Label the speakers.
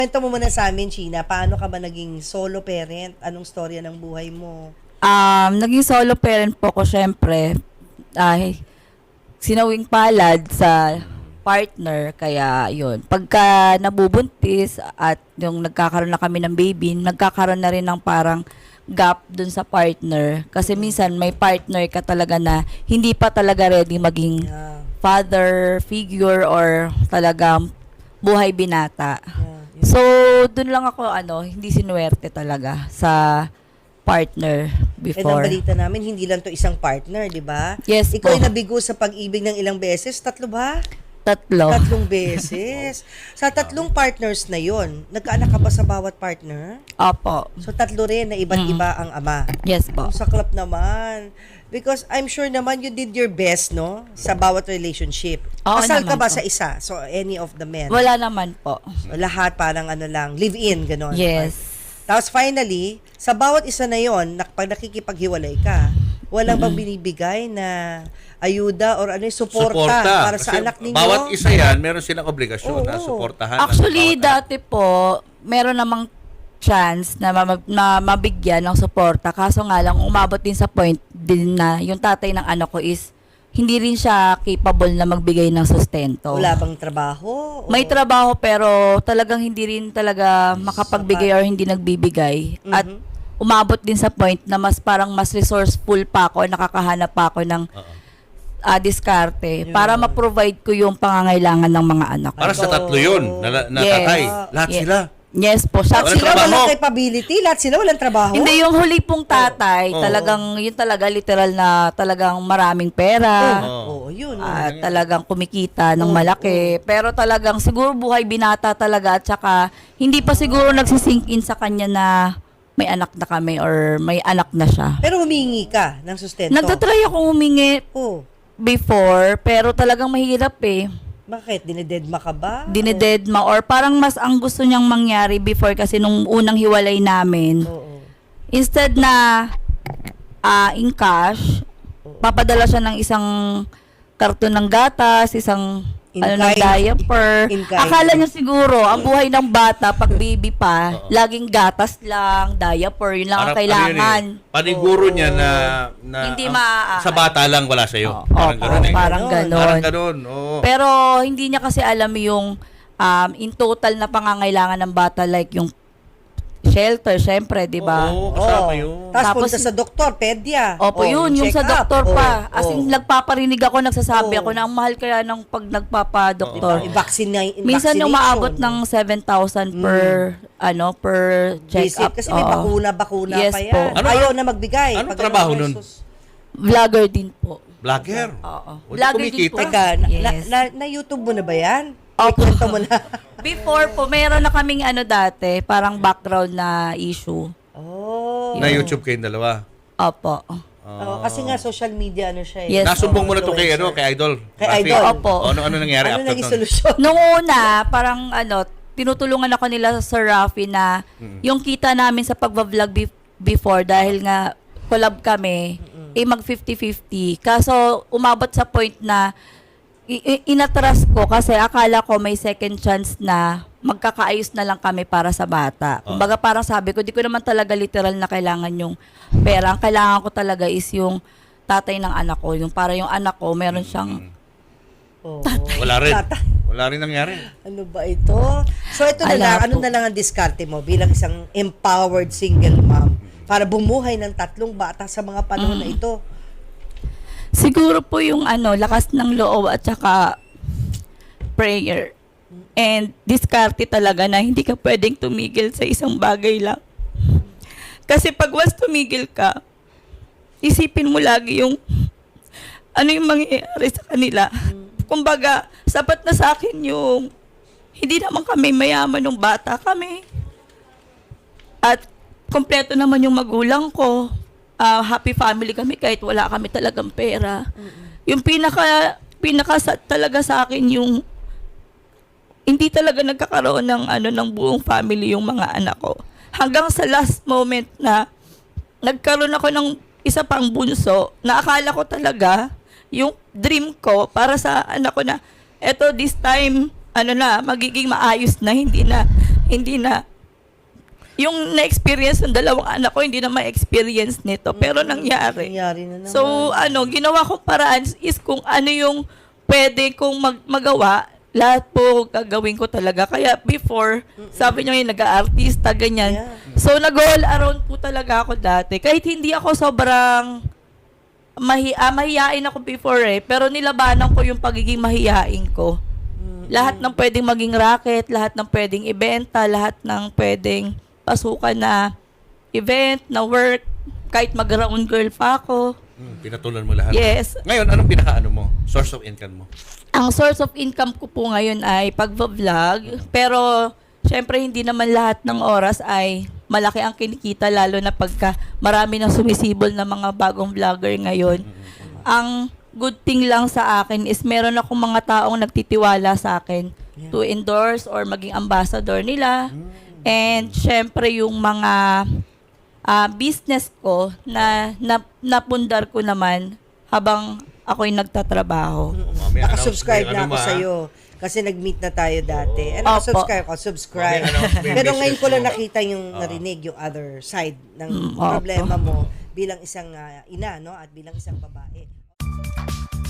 Speaker 1: Kwento mo muna sa amin, Sheena, paano ka ba naging solo parent? Anong storya ng buhay mo?
Speaker 2: Naging solo parent po ko syempre. Sinawing palad sa partner, kaya yun. Pagka nabubuntis at yung nagkakaroon na kami ng baby, nagkakaroon na rin ng parang gap dun sa partner. Kasi minsan may partner ka talaga na hindi pa talaga ready maging father figure or talagang buhay binata. So, dun lang ako hindi sinuwerte talaga sa partner before.
Speaker 1: Ang balita namin, hindi lang to isang partner, di ba?
Speaker 2: Yes
Speaker 1: Ikaw
Speaker 2: po.
Speaker 1: ay nabigo sa pag-ibig ng ilang beses? 3 ba?
Speaker 2: 3.
Speaker 1: 3 beses. Sa 3 partners na yon, nagkaanak ka ba sa bawat partner?
Speaker 2: Opo.
Speaker 1: So 3 rin na iba't iba ang ama.
Speaker 2: Yes po.
Speaker 1: Ang saklap naman. Because I'm sure naman you did your best, no? Sa bawat relationship.
Speaker 2: Oo
Speaker 1: Kasal ka
Speaker 2: naman
Speaker 1: ba
Speaker 2: po.
Speaker 1: sa isa? So any of the men?
Speaker 2: Wala naman po.
Speaker 1: Lahat parang lang, live-in, gano'n.
Speaker 2: Yes.
Speaker 1: Tapos finally, sa bawat isa na yon, pag nakikipaghiwalay ka, walang bang binibigay na ayuda or suporta para sa
Speaker 3: Kasi
Speaker 1: anak ninyo?
Speaker 3: bawat isa yan, meron silang obligasyon na suportahan.
Speaker 2: Actually,
Speaker 3: ang bawat
Speaker 2: dati po, meron namang chance na mabigyan ng suporta. Kaso nga lang, umabot din sa point din na yung tatay ng anak ko is hindi rin siya capable na magbigay ng sustento.
Speaker 1: Wala bang trabaho?
Speaker 2: May trabaho pero talagang hindi rin talaga makapagbigay or hindi nagbibigay. At umabot din sa point na mas resourceful pa ako, nakakahanap pa ako ng diskarte para ma-provide ko yung pangangailangan ng mga anak ko.
Speaker 3: Para sa 3 yun, na
Speaker 2: Yes.
Speaker 3: tatay. Lahat
Speaker 2: Yes.
Speaker 3: sila.
Speaker 2: Yes po.
Speaker 1: Lahat
Speaker 3: Walang
Speaker 1: sila
Speaker 3: trabaho.
Speaker 1: walang capability? Lahat sila walang trabaho?
Speaker 2: Hindi, yung huli pong tatay, talagang, yun talaga, literal na talagang maraming pera.
Speaker 1: Oo, yun.
Speaker 2: At talagang kumikita ng malaki. Pero talagang siguro buhay binata talaga at saka hindi pa siguro nagsisink in sa kanya na may anak na kami or may anak na siya.
Speaker 1: Pero humingi ka ng sustento?
Speaker 2: Nagtatry akong humingi
Speaker 1: Oh,
Speaker 2: before, pero talagang mahirap eh.
Speaker 1: bakit? Dinededma ka ba?
Speaker 2: Dinededma or parang mas ang gusto niyang mangyari before kasi nung unang hiwalay namin.
Speaker 1: Oo.
Speaker 2: Instead na in cash, papadala siya ng isang karton ng gatas, isang
Speaker 1: In
Speaker 2: ng
Speaker 1: kind.
Speaker 2: diaper.
Speaker 1: In kind.
Speaker 2: Akala niya siguro, ang buhay ng bata, pag baby pa, laging gatas lang, diaper, yun lang ang kailangan.
Speaker 3: Paniguro niya na
Speaker 2: Hindi
Speaker 3: sa bata lang wala sa'yo.
Speaker 2: Opo, parang ganon.
Speaker 3: Parang ganon. Oo.
Speaker 2: Pero hindi niya kasi alam yung in total na pangangailangan ng bata, like yung shelter, syempre, di ba?
Speaker 3: Oo, kasama yun.
Speaker 1: Tapos
Speaker 2: Tapos,
Speaker 1: punta sa doktor, pedya.
Speaker 2: Opo, yun, yung sa
Speaker 1: check-up.
Speaker 2: doktor pa. As
Speaker 1: Oo.
Speaker 2: in, nagpaparinig ako, nagsasabi
Speaker 1: Oo.
Speaker 2: ako na ang mahal kaya ng pag nagpapadoktor. Minsan
Speaker 1: Vaccination.
Speaker 2: umaabot ng 7,000 per per check-up.
Speaker 1: Kasi may
Speaker 2: Oo.
Speaker 1: bakuna
Speaker 2: Yes
Speaker 1: pa yan.
Speaker 2: po.
Speaker 1: Ayaw na magbigay.
Speaker 3: Anong
Speaker 1: Pag
Speaker 3: trabaho
Speaker 1: may
Speaker 3: nun?
Speaker 2: Vlogger din po.
Speaker 3: Vlogger.
Speaker 2: Oo.
Speaker 3: O, di
Speaker 2: Vlogger din
Speaker 3: kumikita.
Speaker 2: po.
Speaker 1: Teka,
Speaker 2: Yes.
Speaker 1: na-YouTube mo na ba yan?
Speaker 2: Opo.
Speaker 1: Ikwento mo na.
Speaker 2: Before po, meron na kaming dati, parang background na issue.
Speaker 1: Oh.
Speaker 3: Na YouTube kayong dalawa.
Speaker 2: Opo.
Speaker 1: Kasi nga social media siya eh.
Speaker 2: Yes.
Speaker 3: Nasumbong mo na to kay Idol.
Speaker 1: Kay
Speaker 3: Rafi.
Speaker 1: Idol.
Speaker 2: Opo.
Speaker 3: Ano nangyari
Speaker 1: Ano
Speaker 3: after
Speaker 1: naging
Speaker 3: nun?
Speaker 1: solusyon?
Speaker 2: Nung una, parang tinutulungan ako nila sa Sir Rafi na yung kita namin sa pagbablog before dahil nga collab kami, mag 50-50. Kaso umabot sa point na inatras ko kasi akala ko may second chance na magkakaayos na lang kami para sa bata. Kumbaga parang sabi ko, di ko naman talaga literal na kailangan yung pera. Ang kailangan ko talaga is yung tatay ng anak ko. Yung para yung anak ko, meron siyang
Speaker 3: Wala rin. Wala rin nangyari.
Speaker 1: Ano ba ito? So ito na lang, ano na lang ang diskarte mo bilang isang empowered single mom para bumuhay ng 3 bata sa mga panahon na ito?
Speaker 2: siguro po yung lakas ng loob at saka prayer. And diskarte talaga na hindi ka pwedeng tumigil sa isang bagay lang. Kasi pag once tumigil ka, isipin mo lagi yung ano yung mangyayari sa kanila. Kumbaga, sapat na sa akin yung hindi naman kami mayaman nung bata kami. At kompleto naman yung magulang ko. Happy family kami kahit wala kami talagang pera. Yung pinaka talaga sa akin yung hindi talaga nagkakaroon ng buong family yung mga anak ko. Hanggang sa last moment na nagkaroon ako ng isa pang bunso, na akala ko talaga yung dream ko para sa anak ko na eto this time magiging maayos na, hindi hindi na, yung na-experience ng dalawang anak ko, hindi na ma-experience nito. Pero nangyari.
Speaker 1: Nangyari na naman.
Speaker 2: So, ginawa kong paraan is kung ano yung pwede kong magawa, lahat po gagawin ko talaga. Kaya before, sabi niyo yung nag-aartista, ganyan.
Speaker 1: Yeah.
Speaker 2: So, nag-all around po talaga ako dati. Kahit hindi ako sobrang mahihain ako before pero nilabanan ko yung pagiging mahihain ko. Lahat ng pwedeng maging racket, lahat ng pwedeng ibenta, lahat ng pwedeng pasukan na event, na work, kahit mag-round girl pa ako.
Speaker 3: Pinatulan mo lahat.
Speaker 2: Yes.
Speaker 3: Ngayon, anong pinaka-ano mo? Source of income mo?
Speaker 2: Ang source of income ko po ngayon ay pag-vlog. Pero, syempre, hindi naman lahat ng oras ay malaki ang kinikita, lalo na pagka marami nang sumisibol na mga bagong vlogger ngayon. Ang good thing lang sa akin is meron akong mga taong nagtitiwala sa akin to endorse or maging ambassador nila. And syempre yung mga business ko na napundar ko naman habang ako'y nagtatrabaho.
Speaker 3: May
Speaker 1: Nakasubscribe
Speaker 3: announce- may
Speaker 1: na ako
Speaker 3: ano,
Speaker 1: sa'yo. Kasi nag-meet na tayo dati.
Speaker 2: Opo.
Speaker 1: Subscribe ako, subscribe.
Speaker 3: Okay, may
Speaker 1: Pero ngayon
Speaker 3: business
Speaker 1: ko lang
Speaker 3: mo.
Speaker 1: nakita yung narinig, yung other side ng
Speaker 2: Opo.
Speaker 1: problema mo bilang isang ina, no? At bilang isang babae.